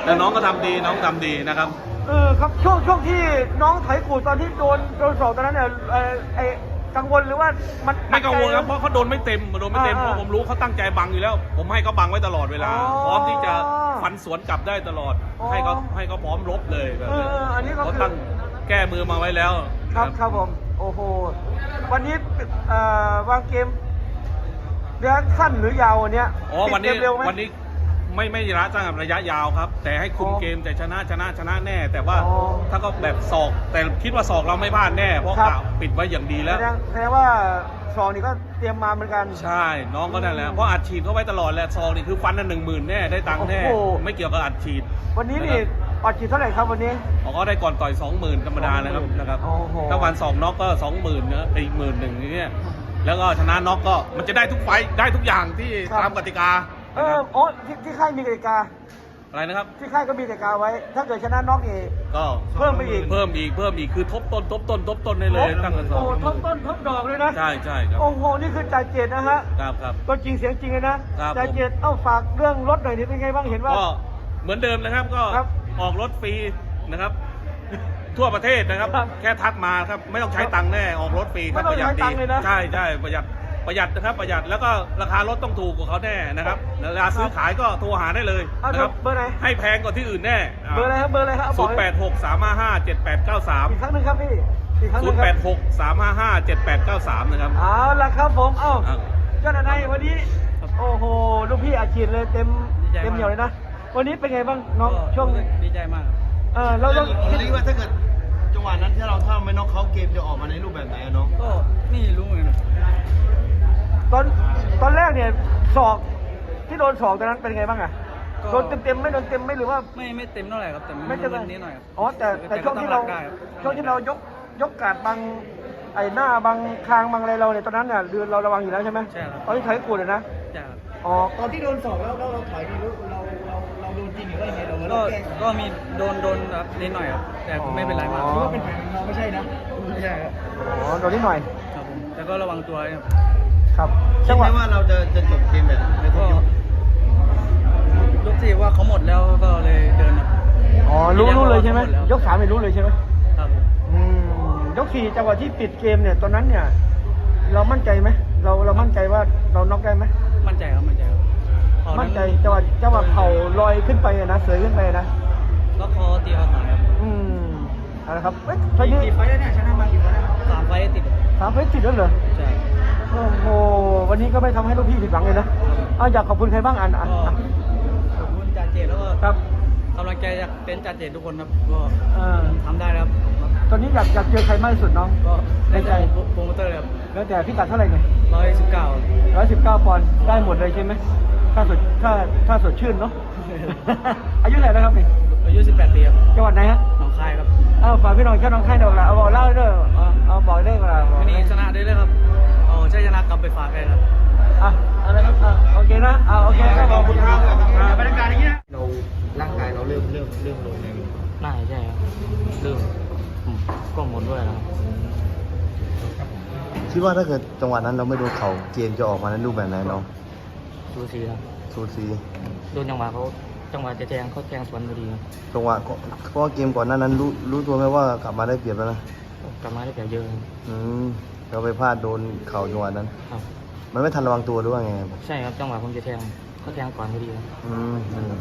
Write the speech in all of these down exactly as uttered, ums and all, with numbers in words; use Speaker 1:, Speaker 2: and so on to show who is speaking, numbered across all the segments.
Speaker 1: แต่น้องก็ทำดีน้องทำดีนะครับ
Speaker 2: เออครับช่วงช่วงที่น้องไถกูตอนที่โดนโดนสอบตอนนั้นเนี่ยเออไอกังวลหรือว่ามัน
Speaker 1: ไม่กังวลครับเพราะเขาโดนไม่เต็มโดนไม่เต็มเพราะผมรู้เขาตั้งใจบังอยู่แล้ว ผมให้เขาบังไว้ตลอดเวลาพร้อมที่จะฟันสวนกลับได้ตลอดให้เขาให้เขาพร้อมรบเลยแบบนี้เขาตั้งแก้มือมาไว้แล้ว
Speaker 2: ครับครับผมโอ้โหวันนี้วางเกมระยะสั้นหรือยาววันนี้
Speaker 1: อ๋อวันนี้วันนี้ไม่ไม่ระยะระยะยาวครับแต่ให้คุมเกมแต่ชนะชนะชนะแน่ แต่ว่าถ้าก็แบบศอกแต่คิดว่าศอกเราไม่พลาดแน่เพราะกะปิดไว้อย่างดีแล้ว
Speaker 2: แสดงว่าซองนี่ก็เตรียมมาเหมือนกัน
Speaker 1: ใช่น้องก็นั่นแหละเพราะอัดฉีดเขาไว้ตลอดแหละซองนี่คือฟันนั่นหนึ่งหมื่นแน่ได้ตังค์แน่ไม่เกี่ยวกับอัดฉีด
Speaker 2: วันนี้นี่อัดฉีดเท่าไหร่ครับวันนี้
Speaker 1: เขาก็ได้ก่อนต่อยสองหมื่นธรรมดานะครับนะครับถ้าวันสองน็อกก็สองหมื่นนะอีกหมื่นหนึ่งนี่แล้วก็ชนะน็อกก็มันจะได้ทุกไฟได้ทุกอย่างที่ตามกติกา
Speaker 2: เออโอ้ที่ที่ค่ายมีกติกา
Speaker 1: อะไรนะครับ
Speaker 2: ที่ค่ายก็มีกติกาไว้ถ้าเกิดชนะน็อกเอง
Speaker 1: ก็
Speaker 2: เพิ่มไปอีก
Speaker 1: เพิ่มอีกเพิ่มอีกคือทบต้นทบต้นทบต้นได้เลยตั้งกันสอง
Speaker 2: โอ้ทบต้นทบดอกเลยนะ
Speaker 1: ใช่ใช่ครับ
Speaker 2: โอ้โหนี่คือจ่ายเจ็ดนะฮะ
Speaker 1: ครับครับ
Speaker 2: ก็จริงเสียงจริงเลยนะจ่ายเจ็ดเอ้าฝากเรื่องรถหน่อยนี่เป็นไงบ้างเห็นว่า
Speaker 1: ก็เหมือนเดิมนะครับก็ออกรถฟรีนะครับทั่วประเทศนะครับแค่ทักมาครับไม่ต้องใช้ตังค์แน่ออกรถฟรีครับประหยัดดีใช่ใช่ประหยัดประหยัดนะครับประหยัดแล้วก็ราคารถต้องถูกกว่าเขาแน่นะครับเวลาซื้อขายก็โทรหาได้เลยนะครับ
Speaker 2: เบอร์ไหน
Speaker 1: ให้แพงกว่าที่อื่นแน่
Speaker 2: เบอร์อะไรครับเบอร์อะไรครับ
Speaker 1: ศูนย์แปดหกสามห้าห้าเจ็ดแปดเก้าสาม
Speaker 2: อีกครั้งหนึ่งครับพี่อีกครั้งหนึ่ง
Speaker 1: ศูนย์แปดหกสามห้าห้าเจ็ดแปดเก้าสามนะครับ
Speaker 2: เอาละครับผมเอ้าเจ้าหน้าที่วันนี้โอ้โหลูกพี่อาชีพเลยเต็มเต็มเหนียวเลยนะวันนี้เป็นไงบ้างน้องช่วง
Speaker 3: ดีใจมาก
Speaker 2: เออเราเรา
Speaker 4: คิดว่าถ้าเกิดจังหวะนั้นที่เราถ้าไม่น็อกเขาเกมจะออกมาในรูปแบบไหนน้อง
Speaker 3: ก็ไม่รู้เหมือนกัน
Speaker 2: ตอนตอนแรกเนี่ยศอกที่โดนศอกตอนนั้นเป็นไงบ้างอะโดนเต็มเต็มไม่โดนเต็มไม่หรือว่า
Speaker 3: ไม่ไม่เต็มเท่าไหร่ครับแต่ไม่
Speaker 2: เต็ม
Speaker 3: นิดหน่อย
Speaker 2: อ๋อแต่แต่ช่วงที่เราช่วงที่เรายกยกกาดบังไอ้หน้าบังคางบังอะไรเราเนี่ยตอนนั้นเนี่ยเราระวังอยู่แล้วใช่ไหม
Speaker 3: ใช่ครับ
Speaker 2: ตอนที่ถอยกูดเลยนะ
Speaker 3: ใช่ครับ
Speaker 2: อ๋อ
Speaker 4: ตอนที่โดนศอกแล้วเราถอยดีเราเราเราโดนจริงหรือว่าไงเรา
Speaker 3: ก็ก็มีโดนโดนแบบนิดหน่อยครับแต่ไม่เป็นไรมาก
Speaker 4: เพราะว่าเป็นแผลเราไม่ใช่นะ
Speaker 3: ไม่ใช่ครับ
Speaker 2: อ๋อโดนนิดหน่อย
Speaker 3: ครับผมแต่ก็ระวังตัวครับ
Speaker 2: ครับ
Speaker 4: จังหวะว่าเราจะจะจบเกมแบบในทุกยก
Speaker 3: ยกที่ว่าเขาหมดแล้วก็เลยเดิน
Speaker 2: อ๋อรู้รู้เลยใช่ไหมยกสามไม่รู้เลยใช่ไหม
Speaker 3: ครับ
Speaker 2: อืมยกสี่จังหวะที่ปิดเกมเนี่ยตอนนั้นเนี่ยเรามั่นใจไหมเราเรามั่นใจว่าเราน็อกได้ไหม
Speaker 3: มั่นใจครับมั่นใจครับ
Speaker 2: มั่นใจจังหวะจังหวะเข่าลอยขึ้นไปนะเสยขึ้นไปนะ
Speaker 3: ก็คอตีเขาตายครับ
Speaker 2: อืมอะไรครับเอ้ย
Speaker 3: ไฟกี่ไฟแล้วเนี่ยชนะมากี่ไฟแล้วสามไฟติด
Speaker 2: สามไฟติดแล้วเหรอ
Speaker 3: ใช่
Speaker 2: โอ้โหวันนี้ก็ไม่ทำให้ลูกพี่ผิดหวังเลยนะอ้าวอยากขอบคุณใครบ้างอ่านอ่าน
Speaker 3: ขอบคุณจ่าเจตแล้วก็
Speaker 2: ครับ
Speaker 3: กำลังใจจากเป็นจ่าเจตทุกคนครับก็ทำได้ครับ
Speaker 2: ตอนนี้อยากอยากเจอใครมากที่สุดน้อง
Speaker 3: ก็ในใจโปรโมเตอร์ครับ
Speaker 2: แล้วแต่พี่กัดเท่าไหร่ไง
Speaker 3: ร้อยสิบเก้า
Speaker 2: ร้อยสิบเก้าปอนด์ได้หมดเลยใช่ไหมถ้าสดถ้าถ้าสดชื่นเนาะอายุเท่าไหร่แล้วครับนี่
Speaker 3: อายุสิบแปดปีครับ
Speaker 2: จังหวัดไหนฮะ
Speaker 3: หนองคายครับ
Speaker 2: เอาฝากพี่น้องแค่น้องคายหน่อยละเอาบอกเล่าด้วยเอาบอกได้เวลา
Speaker 3: วันนี้ชนะได้เลยครับเอาใช้ชนะกลับไปฝากได้ครับ
Speaker 2: อ่ะอะไรครับอ่ะโอเคนะอ่ะโอเคครับขอบคุณครับ
Speaker 4: บรรยากาศอย่างเงี้ยเราร่างกายเราเริ่มเริ่มเริ่มลงเลย
Speaker 3: น่าใช่ครับเริ่มก็หมดด้วยแล้ว
Speaker 4: คิดว่าถ้าเกิดจังหวะนั้นเราไม่โดนเข่าเกมจะออกมาในรูปแบบไหนน้อง
Speaker 3: สูสีครับ
Speaker 4: สูสี
Speaker 3: โดนจังหวะเขาจังหวะจะแทงเขาแทงสวนพอดี
Speaker 4: จังหวะเพราะว่าเกมก่อนหน้านั้นรู้รู้ตัวไหมว่ากลับมาได้เปรียบแล้วนะ
Speaker 3: กลับมาได้เปรียบเยอะ
Speaker 4: อืมเราไปพลาดโดนเข่าจังหวะนั้นครับมันไม่ทันระวังตัวหรือว่าไง
Speaker 3: ใช่ครับจังหวะผมจะแทงเขาแทงก่อนพอดีครับ
Speaker 4: อืม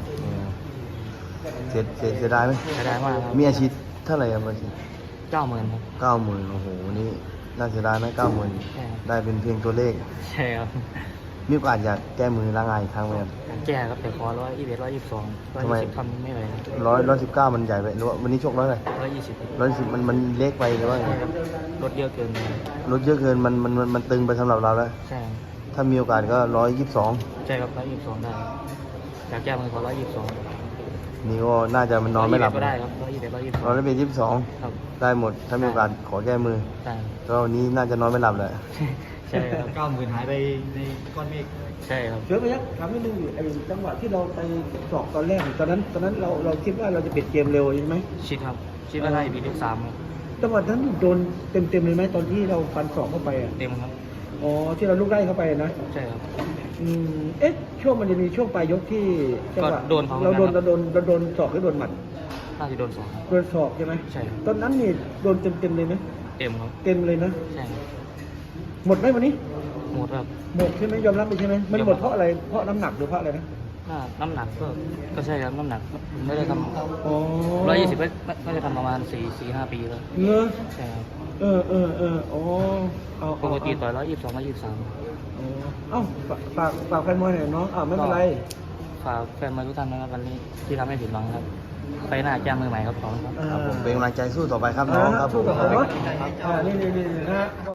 Speaker 4: เสียเสียเสียดายไหม
Speaker 3: เสียดายมากครับ
Speaker 4: มีอาชีพเท่าไหร่ครับอาชีพ
Speaker 3: เก้าหมื่นครับ
Speaker 4: เก้าหมื่นโอ้โหนี่น่าเสียดายนะเก้าหมื่นได้เป็นเพียงตัวเลข
Speaker 3: ใช่ครับ
Speaker 4: มีโอกาสอยากแก้มือล้างงานอีกครั้งไหมครับ
Speaker 3: แก้ครับแต่ขอร้อยยี่สิบร้อยยี่สิบสองร้อยยี่สิบทำไม่ไหว
Speaker 4: ร้อยร้อยสิบเก้ามันใหญ่ไปหรือว่าวันนี้ชกร้อยอะไร
Speaker 3: ร้อยยี่สิบ
Speaker 4: ร้อยสิบมันมันเล็กไปหรือว่า
Speaker 3: ลดเยอะเกิน
Speaker 4: ลดเยอะเกินมันมันมันมันตึงไปสำหรับเราแล้ว
Speaker 3: ใช่
Speaker 4: ถ้ามีโอกาสก็ร้อยยี่สิบสอง
Speaker 3: ใช่ครับร้อยยี่สิบสองได้อยากแก้มือขอร้อยยี่สิบสอง
Speaker 4: นี่ก็น่าจะมันนอนไม่หลับ
Speaker 3: ก็ได้ครับร้อยยี่สิบร้อยยี่สิบ
Speaker 4: ร้อยเป็นยี่สิบสองได้หมดถ้ามีโอกาสขอแก้มือก็วันนี้น่าจะนอนไม่หลับเลย
Speaker 3: ใช่ครับ
Speaker 4: เก้าหมื่นหายไปในก้อนเมฆ
Speaker 3: ใช่ครับ
Speaker 2: เดี๋ยวไปยักถามนิดนึงไอ้จังหวะที่เราไปสอบตอนแรกตอนนั้นตอนนั้นเราเราคิดว่าเราจะปิดเกมเร็วใช่ไหม
Speaker 3: ชิดครับชิดว่าได้ปีที่สาม
Speaker 2: จังหวะนั้นโดนเต็มเต็มเลยไหมตอนที่เราฟันสอบเข้าไปอ่ะ
Speaker 3: เต็มครับ
Speaker 2: อ๋อที่เราลูกไล่เข้าไปนะ
Speaker 3: ใช่ครับ
Speaker 2: อืมเอ๊ะช่วงมันจะมีช่วงปลายยกที่จังหวะ
Speaker 3: ก็โดนเขา
Speaker 2: เราโดน
Speaker 3: เหมื
Speaker 2: เรา
Speaker 3: อน
Speaker 2: โด
Speaker 3: กัน
Speaker 2: นเราโดนศอกหรือโดนหมัด
Speaker 3: น่าจะโดนสองครับ
Speaker 2: โดนศอกใช่ไหม
Speaker 3: ใช่ครับ
Speaker 2: ตอนนั้นนี่โดนเต็มเต็มๆเลยไหม
Speaker 3: เต็มครับ
Speaker 2: เต็มเลยนะ
Speaker 3: ใช่ครับ
Speaker 2: หมดไหมวันนี้
Speaker 3: หมดครับ
Speaker 2: หมดใช่ไหมยอมรับไปใช่ไหมมัน
Speaker 3: ยอมรับ
Speaker 2: หมดเพราะอะไรเพราะน้ำหนักหรือเพราะอะไรนะ
Speaker 3: ถ้าน้ำหนักก็ก็ใช่ครับน้ำหนักไม่ได้ท
Speaker 2: อ๋อ
Speaker 3: ำร้อยยี่สิบไม่ไม่ได้ทำประมาณสี่สี่ห้าปีแล้ว
Speaker 2: เงอ
Speaker 3: ใช่ครับ
Speaker 2: เออเออเอออ๋อเอา
Speaker 3: ปกติต่อยร้อยยี่สิบสองร้อยยี่สิบสาม
Speaker 2: อ๋อเอ้าฝากฝากฝากแฟนมวยหน่อยน้องอ่าไม่เป็นไร
Speaker 3: ฝากแฟนมวยทุกท่านนะครับวันนี้ที่ทำให้ผิดหวังครับ ไปหน้าแจ้งมือใหม่ครับขอบคุณครับ
Speaker 2: อ่า
Speaker 4: ครับผมเป็นกำลังใจสู้ต่อไปครับน้องครับผ
Speaker 2: สู้
Speaker 4: ม
Speaker 2: กับผมเนาะอ่านี่นี่นี่นะฮะ